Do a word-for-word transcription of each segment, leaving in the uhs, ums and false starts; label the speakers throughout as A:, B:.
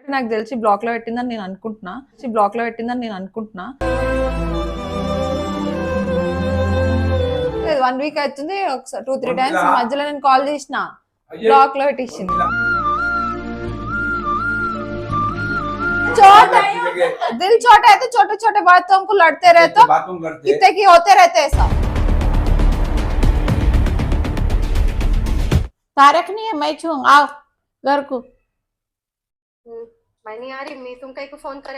A: నాకు తెలిసి బ్లాక్ లో పెట్టిందని నేను అనుకుంటున్నా బ్లాక్ లో పెట్టిందని నేను అనుకుంటున్నా వన్ వీక్ అవుతుంది ఒకసారి టూ త్రీ టైమ్స్ మధ్యలో నేను కాల్ చేసిన బ్లాక్ లో పెట్టించింది छोटे दिल छोटे है तो छोटे छोटे बातों को लड़ते रहे तो कितने की होते रहते हैं सब
B: तारक नहीं है मैं छू आओ घर को
C: मैं नहीं आ रही मैं तुम कहीं को फोन करे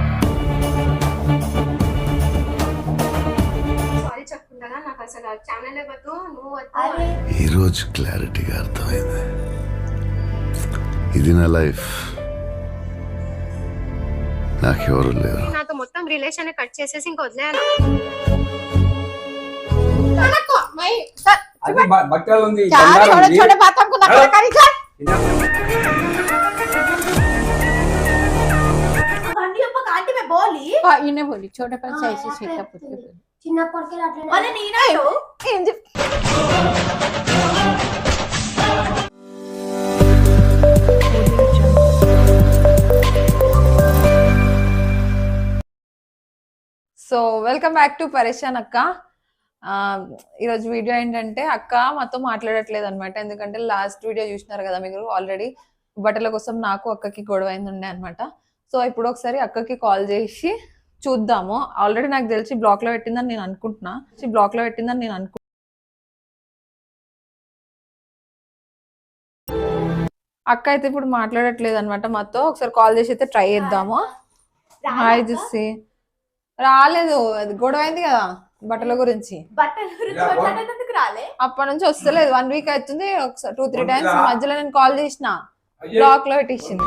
C: సారీ చెప్పుకుంటానా నాకు అసలు ఛానల్ వద్దు నువ్వు వద్దు
D: ఈ రోజు క్లారిటీగా అర్థమైంది ఇది నా లైఫ్ నాకెవరు లేరు
C: నాతో మొత్తం రిలేషన్ కట్ చేసేసి ఇంక వదిలేయాలి
E: बच्चा ఉంది
B: छोटे छोटे बातों को नखरा करी कर
F: बंडी अप्पा कांटी में बोली
B: हां इने बोली छोटे पर ऐसे सीखा पुट के
F: చిన్నప్పటి కెళ్ళి అట్లనే అరే నీనాడు
B: ఏం చెప్
A: సో వెల్కమ్ బ్యాక్ టు పరేషాన్ అక్క. ఈరోజు వీడియో ఏంటంటే అక్క మాతో మాట్లాడట్లేదు అనమాట. ఎందుకంటే లాస్ట్ వీడియో చూసినారు కదా మీరు ఆల్రెడీ, బట్టల కోసం నాకు అక్కకి గొడవ అయింది ఉండే అనమాట. సో ఇప్పుడు ఒకసారి అక్కకి కాల్ చేసి చూద్దాము. ఆల్రెడీ నాకు తెలిసి బ్లాక్ లో పెట్టిందని నేను అనుకుంటున్నా బ్లాక్ లో పెట్టిందని నేను అనుకుంటున్నా అక్క అయితే ఇప్పుడు మాట్లాడట్లేదు అనమాట మాతో. ఒకసారి కాల్ చేసి అయితే ట్రై చేద్దాము. హాయ్ చూసి రాలేదు, అది గొడవ అయింది కదా బట్టల గురించి. అప్పటి నుంచి వస్తలేదు, వన్ వీక్ అవుతుంది ఒకసారి టూ త్రీ టైమ్స్ మధ్యలో నేను కాల్ చేసిన బ్లాక్ లో పెట్టించింది.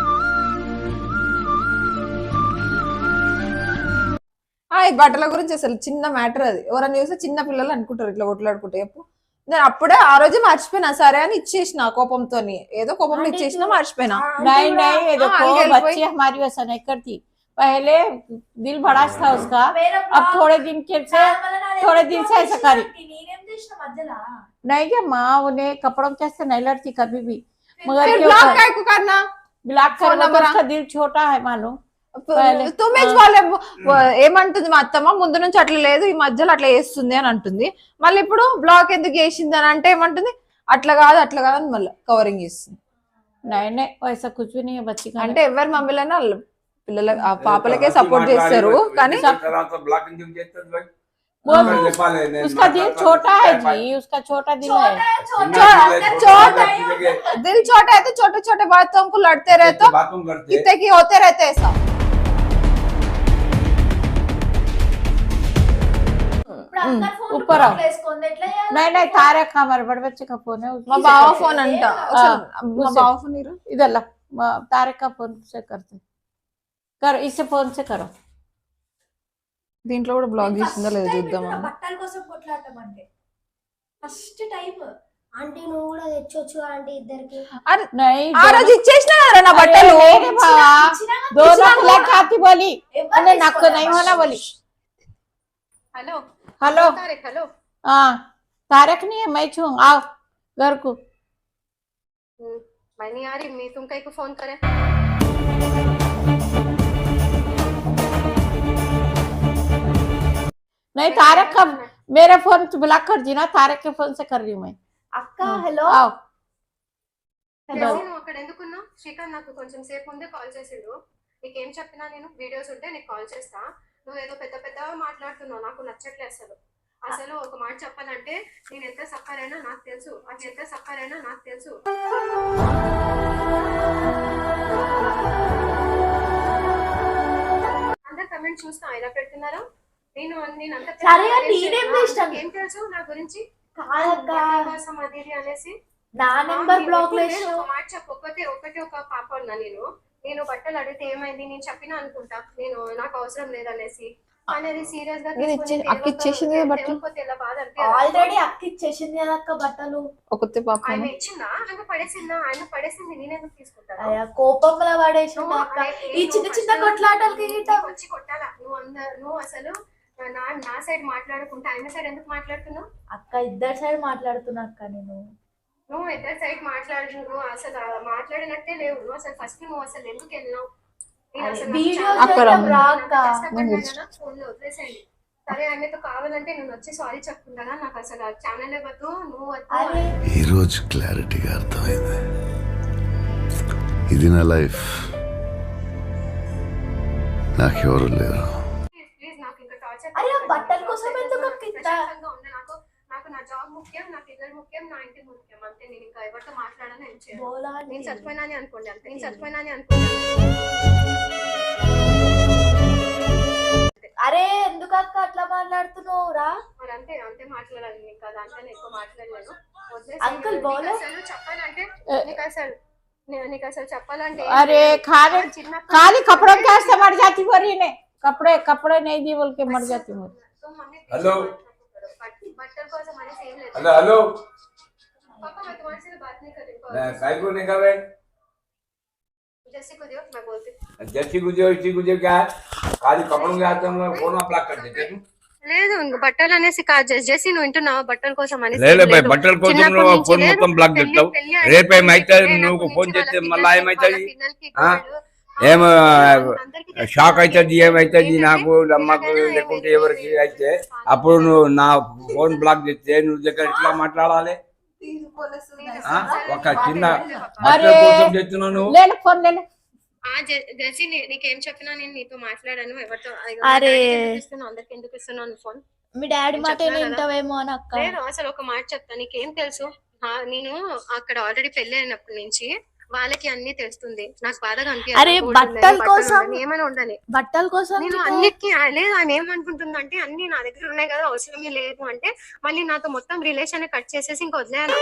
A: ఈ బట్టల గురించి అసలు చిన్న మ్యాటర్ అది. ఎవరైనా చూస్తే చిన్న పిల్లలు అనుకుంటారు ఇట్లా కొట్లాడుకుంటే. చెప్పు, నేను అప్పుడే ఆ రోజు మర్చిపోయినా, సరే అని ఇచ్చేసిన కోపంతో, ఏదో కోపంలో ఇచ్చేసిన మర్చిపోయినా.
B: पहले दिल भड़ास था उसका, अब थोड़े दिन के से थोड़े दिन से ऐसा करी नहीं क्या माँ उन्हें कपड़ों से नहीं लड़ती कभी भी, मगर
A: ब्लॉक काय को करना
B: ब्लॉक करना तो उसका दिल छोटा है मालूम.
A: తుమ్మే వాళ్ళే ఏమంటుంది మా అత్తమ్మ, ముందు నుంచి అట్లా లేదు ఈ మధ్యలో అట్లా వేస్తుంది అని అంటుంది. మళ్ళీ ఇప్పుడు బ్లాక్ ఎందుకు వేసింది అని అంటే ఏమంటుంది, అట్లా కాదు అట్లా కాదు అని మళ్ళీ కవరింగ్ చేస్తుంది.
B: నైనే వయసు కూర్చుని బచ్చి
A: అంటే ఎవరి మమ్మీలైనా పిల్లల పాపలకే సపోర్ట్ చేస్తారు, కానీ
B: उसका दिल छोटा है जी, उसका छोटा दिल है.
A: छोटा दिल छोटा है तो छोटे छोटे बातों को लड़ते रहे तो कितने की होते रहते हैं सब.
B: ऊपर आओ. नहीं नहीं तारक हमारे बड़े बच्चे का फोन है,
A: మా బావ ఫోన్ అంట. మా బావ ఫోన్
B: इधर ला, तारक का फोन से करते करो, इससे फोन से करो.
A: దీంట్లో కూడా బ్లాగ్ చేసిందో లేదో చూద్దాం.
F: బట్టల కోసం కొట్లాడటమంటే ఫస్ట్ టైం ఆంటీ నువ్వు కూడా తెచ్చొచ్చు ఆంటీ ఇద్దరికి.
A: అరే
B: नहीं
A: ఆ రోజు ఇచ్చేసినా నా బట్టలు.
B: मेरे बाबा दोनों लग आती बोली अरे नाको नहीं होना बोली.
C: हेलो
B: हेलो
C: तारक, हेलो
B: हाँ तारक नहीं है मैं छू आओ घर को.
C: मैं नहीं आ रही मैं तुम कहीं को फोन करे
B: नहीं तारक का मेरा फोन ब्लॉक कर दी ना, तारक के फोन से कर रही हूँ मैं.
F: అక్క హలో
B: आओ
C: నువ్వు అక్కడ ఎందుకున్నావు? శ్రీకాంత్ నాకు కొంచెం సేపు ముందే కాల్ చేసిండు. నీకేం చెప్పినా నేను వీడియోస్ ఉంటే నీకు కాల్ చేస్తా. నువ్వు ఏదో పెద్ద పెద్దగా మాట్లాడుతున్నావు, నాకు నచ్చట్లేదు అసలు. అసలు ఒక మాట చెప్పాలంటే నేను ఎంత సఫర్ అయినా నాకు తెలుసు, అది ఎంత సఫర్ అయినా నాకు తెలుసు. అందరు కమెంట్ చూస్తా ఇలా పెడుతున్నారా? నేను నేను అంత ఏం తెలుసు నా గురించి కోసం అది ఇది అనేసి
F: నా నెంబర్ బ్లాక్ లో
C: ఒక మాట చెప్పు. ఒకటే ఒకటి ఒక పాప ఉన్నా నేను నేను బట్టలు అడిగితే ఏమైంది నేను చెప్పినా అనుకుంటా, నేను నాకు అవసరం లేదనేసి. అనేది సీరియస్ గా
A: అక్క ఇచ్చేసింది
F: ఆల్రెడీ అక్క ఇచ్చేసింది కదా అక్క బట్టలు.
A: ఒకతే పాప
C: ఆయన ఇచ్చిందా, ఆయన పడేసిందా? ఆయన పడేసింది నేనెందుకు తీసుకుంటాను?
F: కోపంలో పడేసింది అక్క. ఈ చిన్న చిన్న కొట్లాటలకి
C: వచ్చి కొట్టాలా? నువ్వు అందరు నువ్వు అసలు నా నా సైడ్ మాట్లాడుకుంటా ఆయన సైడ్ ఎందుకు మాట్లాడుతున్నావు
F: అక్క? ఇద్దరు సైడ్ మాట్లాడుతున్నా అక్క. నేను
C: నువ్వు ఇద్దరు సైడ్ మాట్లాడు, నువ్వు అసలు మాట్లాడినట్టే లేవు. నువ్వు అసలు ఫస్ట్ నువ్వు అసలు ఎందుకు వెళ్ళినావు? నేను అసలు నాకు
F: వీడియో
C: చాలా
A: అక్కడ
C: కష్టపడ్డా కదా, ఫోన్లో వదిలేసేయండి. సరే ఆయనతో కావాలంటే నేను వచ్చి సారీ చెప్పుకుంటానా? నాకు అసలు ఆ ఛానల్ వద్దు, నువ్వు వద్దు.
D: ఈ రోజు క్లారిటీగా అర్థమైంది. ఇది నా లైఫ్, నాకెవరు లేరు.
C: ప్లీజ్ ప్లీజ్ నాకు ఇంకా టార్చర్.
F: అరే, ఆ బట్టల కోసం ఎందుకు అక్క ఇంత?
C: ప్రశాంతంగా ఉండు. నాకు నాకు నా జాబ్ ముఖ్యం, నా పిల్లలు ముఖ్యం, నా ఇంటి ముఖ్యం. అంతే. నేను ఇంకా ఎవరితో మాట్లాడాలని ఏం చేయను.
F: బోలా
C: నేను చచ్చిపోయినా అని అనుకోండి అంతే. నేను చచ్చిపోయినా అని అనుకోండి.
F: అరే ఎందుకు అక్క అట్లా మాట్లాడుతున్నావు రా?
C: మరి అంతే అంతే మాట్లాడాలి. నీకు దాంట్లో ఎక్కువ మాట్లాడలేను.
F: అంకుల్
C: వదిలేసి
F: బోలో
C: అసలు చెప్పాలంటే నీకు అసలు నే- నీకు అసలు చెప్పాలంటే
B: अरे खाने
C: చిన్నప్పటి
B: खाली कपड़ों के वास्ते मर जाती हो रही ने कपड़े कपड़े नहीं दी बोल के मर जाती हो
C: so mummy
E: hello
C: but- butter కోసం అనేసి ఏం లేదు.
E: हेलो हेलो
C: पापा मैं तुम्हारे से बात नहीं कर रही हूँ.
E: मैं काय को नहीं कर रहे
C: जैसे को दियो मैं बोलती हूँ.
E: जैसी गुजर इसी गुजर क्या है खाली कपड़ों के हाथ हम लोग फोन ब्लॉक कर देते तुम
C: లేదు ఇంక బట్టలు అనేసి కాదు. జస్ట్ జెస్సీ నువ్వు వింటున్నావు బట్టల కోసం అనేసి
E: లే లే
C: ఏం
E: బై
C: లేదు.
E: బట్టల కోసం
C: చిన్నప్పటి
E: నువ్వు
C: నుంచి
E: ఫోన్
C: లేదు.
E: మొత్తం బ్లాక్
C: పెళ్లి-
E: చేస్తావు
C: పెళ్లి అనేది
E: రేపు ఏమైతే
C: లేదు.
E: నువ్వు
C: నాకు
E: ఫోన్
C: నుంచి
E: చేస్తే
C: వాళ్ళ
E: మళ్ళీ
C: పిల్లలకి,
E: ఏమవుతుంది
C: వాళ్ళ పిల్లలకి
E: ఆ?
C: గోల్డ్.
E: ఏం
C: అందరికీ తెలుసు.
E: షాక్ అవుతుంది ఏమవుతుంది
C: ఏంటంటే,
E: నాకు అమ్మకు
C: ఎలాగైనా
E: లేకుంటే
C: ఏమైతే
E: ఎవరికి అయితే అప్పుడు నువ్వు నా ఫోన్ బ్లాక్ చేస్తే నువ్వు దగ్గర ఎట్లా మాట్లాడాలి ఆ? ఒక చిన్న బట్టల కోసం చెప్తున్నావు నువ్వు
B: ले ले फोन ले ले
C: ఆ జె- జెస్సీ నీ- నీకేం చెప్పినా నేను నీతో మాట్లాడాను. ఎవరితో
F: అరే.
C: ఇస్తున్నావు అందరికి ఎందుకు ఇస్తున్నాను ఫోన్?
F: మీ డాడీ
C: నేను
F: మాట
C: చెప్పినా కదా.
F: వింటావేమో అని అక్క.
C: లేదు అసలు ఒక మాట చెప్తా. నీకేం తెలుసు? ఆ, నేను అక్కడ ఆల్రెడీ పెళ్లి అయినప్పటి నుంచి వాళ్ళకి అన్ని తెలుస్తుంది. నాకు బాధగా అనిపించదు.
F: అరే,
C: గోల్డ్
F: బట్టల
C: ఉండని, బట్టలు
F: కోసం-
C: ఉండని, ఏమైనా ఉండని.
F: బట్టల కోసం
C: నేను
F: నీకు-
C: అన్నిటికీ ఆ- లేదు ఆమె ఏమనుకుంటుందంటే అన్ని నా దగ్గర ఉన్నాయి కదా అవసరమే లేదు అంటే మళ్ళీ నాతో మొత్తం రిలేషన్ కట్ చేసేసి ఇంకా వదిలేను.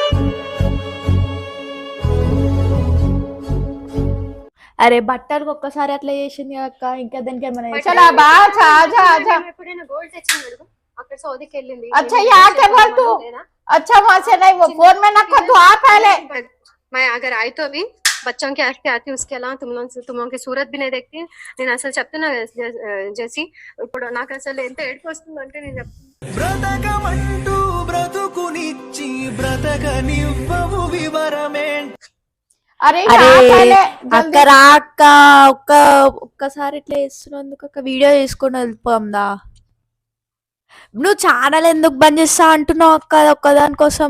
F: అరే బట్టలకు ఒక్కసారి అట్లా చేసింది అక్క, ఇంకా దానికి ఏమైనా చేసిందా?
B: चला बा आजा आजा आजा
C: ఎప్పుడైనా గోల్డ్ తెచ్చింది అడుగు. అక్కడ సౌదీకి వెళ్ళింది.
B: अच्छा ये आके बोल तू अच्छा वहां से नहीं वो फोन में ना कर तू आ पहले
C: मैं अगर आई तो भी बच्चों के आके आती उसके अलावा तुम लोग तुम लोगों की सूरत भी नहीं देखती. నేను అసలు చెప్తున్నా జెస్సీ ఇప్పుడు నాకు అసలు ఎంత ఏడుపు వస్తుందంటే నేను చెప్తున్నా.
G: బ్రతకమంటూ బ్రతుకునిచ్చి బ్రతకనివ్వవు వివరమే
B: अरे
F: అరే
B: यहाँ पहले
F: అక్క
B: जल्दी
F: రా అక్క, ఒక్క ఒక్కసారి ఇట్లా చేస్తున్నందుకు అక్క వీడియో తీసుకొని వెళ్ళిపోందా? నువ్వు ఛానల్ ఎందుకు బంద్ చేస్తా అంటున్నావు అక్క ఒక్కదాని కోసం?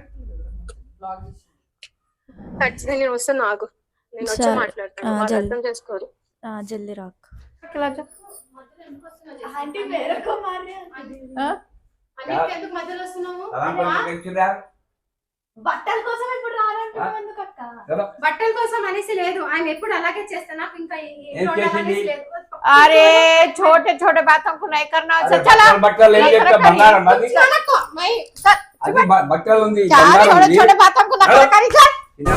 C: ఖచ్చితంగా నేను వస్తున్నా ఆగు. నేను వచ్చి
F: సరే.
C: మాట్లాడతాను.
F: ఆ,
C: వాళ్ళు
F: జల్ది.
C: అర్థం చేసుకోరు.
F: ఆ, జల్దీ రా అక్క.
B: हाँ?
C: ఎందుకు మధ్యలో వస్తున్నావు?
E: సలాం పలికి తెచ్చిరా?
C: బట్టల కోసం ఇప్పుడు రారంటున్నావు ఎందుకు అక్క?
E: చలో.
C: బట్టల కోసం అనేసి లేదు. ఆయన ఎప్పుడు అలాగే చేస్తా. నాకు ఇంకా ఈ- ఈ
E: ఏం
C: రోడ్డు
E: చేసింది?
C: అనేసి లేదు.
B: अरे छोटे छोटे बातों को नहीं करना
E: అరే
B: चला
E: బట్టలు బట్టలు ఏం చెప్తా బంగారం అది
B: चला को मैं सर
E: అది బ- బట్టలు ఉంది
B: चार
E: బంగారం
B: छोटे
E: ఉంది
B: छोटे बातों को नकल करी चल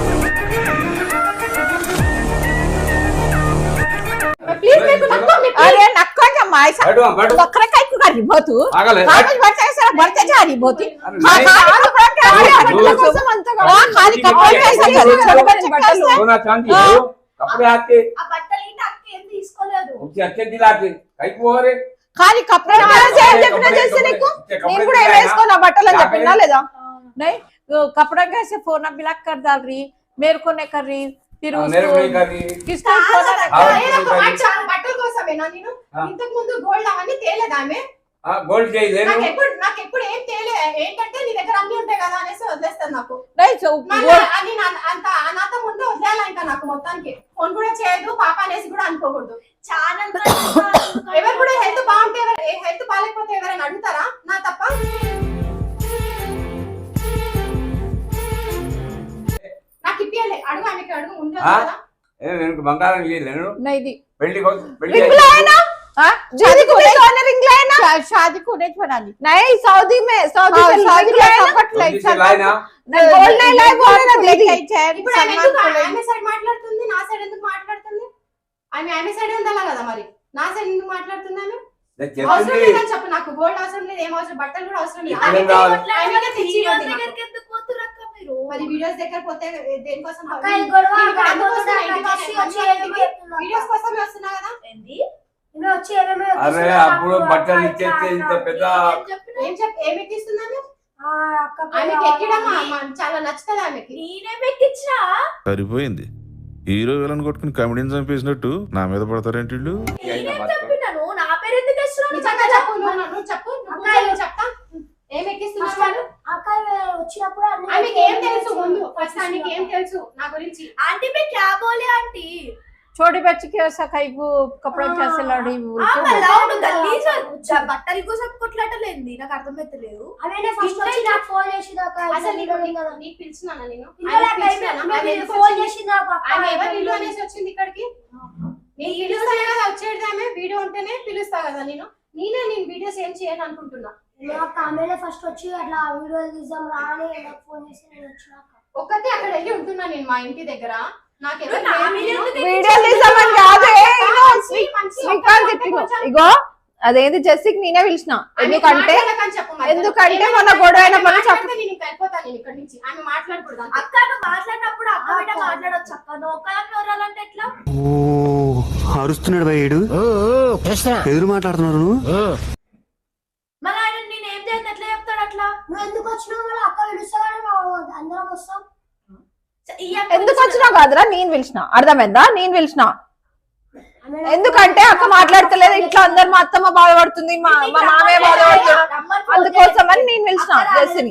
B: प्लीज मेरे को नक्को अरे नक्को क्या माय सा
E: బయట బయట
B: बकरा काय को कर रही बहुत
E: ఆగలే
B: कागज भरते हैं सर भरते जा रही बहुत
E: अरे
B: हां
E: नहीं।
B: हां कपड़ा क्या
E: अरे
B: है
E: दो-
B: बटन కోసం అంతగా हां खाली कपड़े
E: दो-
B: कैसे
E: दो-
B: चल
E: दो-
B: छोटे बच्चे बटन
E: सोना चांदी
B: हाँ।
E: है कपड़े आते
C: ఆ బట్టలు ఏంటి అక్క ఏం తీసుకోలేదు.
E: उससे अच्छे दिलाते कई को रे
B: खाली कपड़े कैसे చెప్పినా చేస్తే నీకు నేను కూడా ఏం వేసుకోనా బట్టలు అని చెప్పినా లేదా नहीं वो कपड़ा कैसे फोन ब्लॉक कर डाल रही मेरे को नहीं कर रही फिर
E: मेरे को नहीं
B: उसको
E: कर रही
B: किसको फोन
E: हाँ,
C: ఏదో ఒక
E: नहीं
C: మాట
E: कर
C: చాలు. బట్టల కోసమేనా నేను?
E: हाँ।
C: ఇంతకు ముందు గోల్డ్ అవన్నీ తేలేదా ఆమె?
E: हाँ गोल्ड चाहिए
C: నాకు
E: ना
C: ఎప్పుడు నాకు ఎప్పుడు ఏం తేలే ఏంటంటే నీ దగ్గర అన్ని ఉంటాయి కదా అనేసి వదిలేస్తాను. నాకు
B: नहीं so
C: మళ్ళీ
B: वो
C: అని నా- అంత అనాథ ముందు వదిలేయాలి ఇంకా నాకు మొత్తానికి. ఫోన్ కూడా చేయదు పాప అనేసి కూడా అనుకోకూడదు. ఛానల్ ఎవరు కూడా హెల్త్ బాగుంటే హెల్త్ బాగాలేకపోతే ఎవరైనా అడుగుతారా? నా తప్ప. నాకు ఇప్పియాలి. అడుగు ఆమెకి అడుగు ఉండదు
E: हाँ?
C: కదా.
E: ఏ నేను బంగారం ఇయ్యలేదు నేను
B: नहीं दी
E: పెళ్లి కోసం పెళ్లి
B: रिंग लाए ना हाँ शादी को नहीं सोने रिंग लाए ना शादी को नहीं बना ली नहीं सऊदी में सऊदी में सऊदी में सपट लाए
E: से लाए ना
B: गोल्ड नहीं लाए बोले ना दीदी
C: ఇప్పుడు ఆమె ఎందుకు ఆమె సైడ్ మాట్లాడుతుంది, నా సైడ్ ఎందుకు మాట్లాడుతుంది? ఆమె ఆమె సైడ్ ఉండాలా కదా మరి. నా సైడ్ ఎందుకు మాట్లాడుతుంది ఆమె?
E: నేను
C: అవసరం
E: చెప్పింది
C: లేదని చెప్పు. నాకు గోల్డ్ అవసరం లేదు, ఏం అవసరం, బట్టలు కూడా అవసరం లేదు.
E: ఇప్పుడు ఏం కావాలి?
C: ఆమెకే తెచ్చి ఇవ్వండి నాకు. మరి వీడియోస్ దగ్గర పోతే దేనికోసం వీడియోస్ కోసమే వస్తున్నా కదా.
E: అరే అప్పుడు బట్టలు ఇచ్చేస్తే ఇంత పెద్ద
C: ఏం చెప్ ఏమి ఇస్తున్నాను? ఆమెకి ఎక్కడం చాలా నచ్చుతుంది ఆమెకి.
H: నేనేం ఎక్కించినా
I: సరిపోయింది. హీరో విలన్ కొట్టుకుని కమెడీని చంపేసినట్టు నా మీద పడతారేంటి వీళ్ళు?
H: నేనేం చెప్పినాను? నా పేరు ఎందుకు వేస్తున్నావు?
C: నిజంగా చెప్పు, నువ్వు నువ్వు చెప్పు, నువ్వు కూర్చో, చెప్తా. ఏం ఎక్కిస్తున్నావు?
H: వచ్చినప్పుడు
C: ఆమెకి ఏం తెలుసు ముందు? ఫస్ట్ ఆమెకి ఏం తెలుసు నా గురించి?
H: ఆంటీ మే క్యా బోలే ఆంటీ?
B: छोटी बच्ची के सकाई को कपड़ा कैसे लड़ी
H: ఆ మళ్ళీ గలీజ్ బట్టల కోసం కొట్లాటలేంది నాకు అర్థమైతలేదు.
J: ఆమెనే ఫస్ట్ వచ్చి నాకు ఫోన్ చేసిదాకా
C: అసలు నీకు నీకు పిలిచినానా నేను?
J: పిల్లల ఫోన్ చేసిదాకా
C: ఆమె ఎవరు ఇల్లు అనేసి వచ్చింది ఇక్కడికి? నేను పిలుస్తాను కదా వచ్చేది, ఆమె వీడియో ఉంటేనే పిలుస్తా కదా నేను. నేనే నేను వీడియోస్ ఏం చేయను అనుకుంటున్నా.
J: నాకు ఆమెనే ఫస్ట్ వచ్చి అట్లా వీడియోలు తీద్దాం రా అని నాకు ఫోన్ చేసి నేను వచ్చినాక
C: ఒక్కతే అక్కడ వెళ్ళి ఉంటున్నా నేను మా ఇంటి దగ్గర. నాకెవరు
A: వీడియో తీసామని కాదే, శ్రీకాంత్ తిట్టిను. ఇగో అదేంది జెస్సీకి నేనే పిలిచిన. ఎందుకంటే ఎందుకంటే మన గొడవ అయినప్పుడు చెప్పు.
C: నేను ఇంకా వెళ్ళిపోతాను నేను ఇక్కడి నుంచి. ఆమె మాట్లాడకూడదు.
H: అక్క నువ్వు మాట్లాడినప్పుడు అక్క బిడ్డ మాట్లాడొచ్చు అక్క. నువ్వు ఒక్కదాన్ని ఎవరాలంటే ఎట్లా?
G: అరుస్తున్నాడు భయ్యుడు, ఎదురు మాట్లాడుతున్నారు.
H: మళ్ళీ ఆయన నేను ఏం చేయండి ఎట్లా చెప్తాడు అట్లా?
J: నువ్వు ఎందుకు వచ్చినావు? మళ్ళీ అక్క పిలుస్తాగానే అందరం వస్తాం.
A: ఎందుకు వచ్చినావు కాదురా, నేను పిలిచిన. అర్థమైందా? నేను పిలిచిన. ఎందుకంటే అక్క మాట్లాడతలేదు ఇంట్లో, అందరు మా అత్తమ్మ బాధపడుతుంది, మా మా మామయ్య బాధపడుతున్నాడు, అందుకోసమని నేను పిలిచిన జెస్సీని.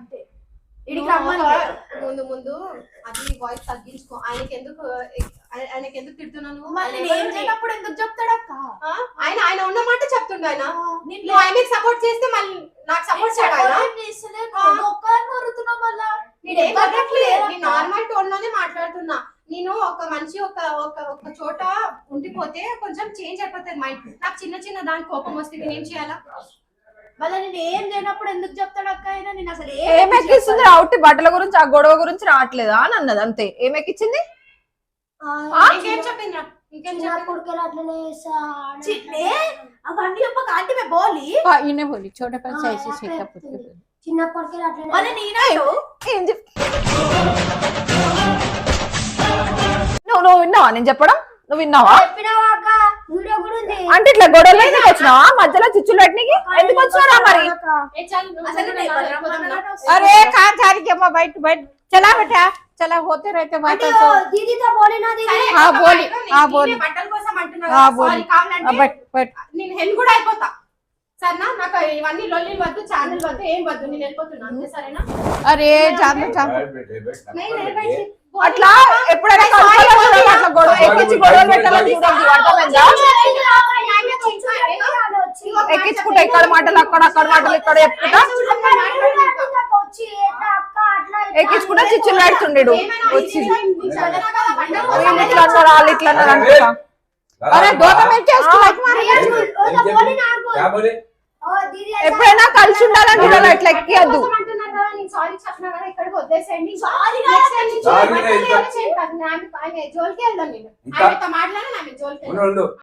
C: ముందు ముందు అది వాయిస్ తగ్గించుకో. ఆయనకి ఎందుకు ఆయనకి ఎందుకు తిడుతున్నాను?
H: మళ్ళీ ఏం చేయనప్పుడు ఎందుకు చెప్తాడు అక్క?
C: ఆయన ఆయన ఉన్న మాట చెప్తుండే. ఆయన నువ్వు ఆయనకి సపోర్ట్ చేస్తే మళ్ళీ నాకు సపోర్ట్ చేయడా? నార్మల్ టోన్ లోనే మాట్లాడుతున్నా నేను. ఒక మనిషి ఒక ఒక ఒక చోట ఉండిపోతే కొంచెం చేంజ్ అయిపోతుంది మైండ్. నాకు చిన్న చిన్న దానికి కోపం వస్తే నేను ఏం చేయాలా?
H: మళ్ళీ నేను ఏం చేయనప్పుడు ఎందుకు చెప్తాడు అక్క? అయినా నేను అసలు
A: ఏం ఎక్కిస్తుంది? అవుట్ బట్టల గురించి ఆ గొడవ గురించి రావట్లేదా అని అన్నది అంతే. ఏం ఎక్కించింది?
C: ఇంకేం చెప్పిందా? ఇంకేం
J: చిన్నప్పుడు అట్లనే
H: అవన్నీ చెప్పక ఆంటీ మే బోలి
B: इन्हें बोली छोटे बच्चे ऐसे सीखा पुत्र
J: చిన్నప్పటికే అట్లనే
H: మళ్ళీ నేనాడు
A: ఏం చెప్ నువ్వు నువ్వు విన్నావా నేను చెప్పడం? నువ్వు విన్నావా?
J: చెప్పినావా అక్క? వీడియో కూడా ఉంది.
A: అంటే ఇట్లా గొడవలు ఎందుకు వచ్చినావా? మధ్యలో చిచ్చులు పెట్టినకి ఎందుకు వచ్చినారా మరి?
B: अरे कहाँ जा रही है? बैठ बैठ चला बेटा चला, होते रहते बात
J: అంటే దీదీతో బోలినా దీదీ?
B: हाँ बोली हाँ बोली
C: బట్టల కోసం అంటున్నా.
B: हाँ बोली बैठ बैठ
C: నేను హెల్ కూడా అయిపోతా సరేనా? నాకు ఇవన్నీ లొల్లి వద్దు, ఛానల్ వద్దు, ఏం వద్దు. నేను వెళ్ళిపోతున్నా అంతే సరేనా?
B: अरे जान जान
A: అట్లా ఎప్పుడైనా కలుసుకోవాలనుకున్నా అట్లా గొడవ ఎక్కించి గొడవలు పెట్టాలని చూడద్దు. అర్థమైందా? ఎక్కించుకుంటా ఇక్కడ మాటలు అక్కడ అక్కడ మాటలు ఇక్కడ చెప్పుకుంటా ఎక్కించుకుంటా చిచ్చులు పెడుతుండేడు వచ్చి. వీళ్ళు ఇట్లా అన్నారు వాళ్ళు ఇట్లా అన్నారు అనుకుంటా.
B: अरे दो तो मिनट इसको लाइक मार
A: ఎప్పుడైనా కలిసి ఉండాలని చూడాలి, అట్లా ఎక్కియద్దు.
C: సారీ చెప్పినా కదా ఇక్కడికి వద్దేసండి. జోలికి వెళ్దాం నేను. ఆయనతో మాట్లాడాను ఆమె జోలికి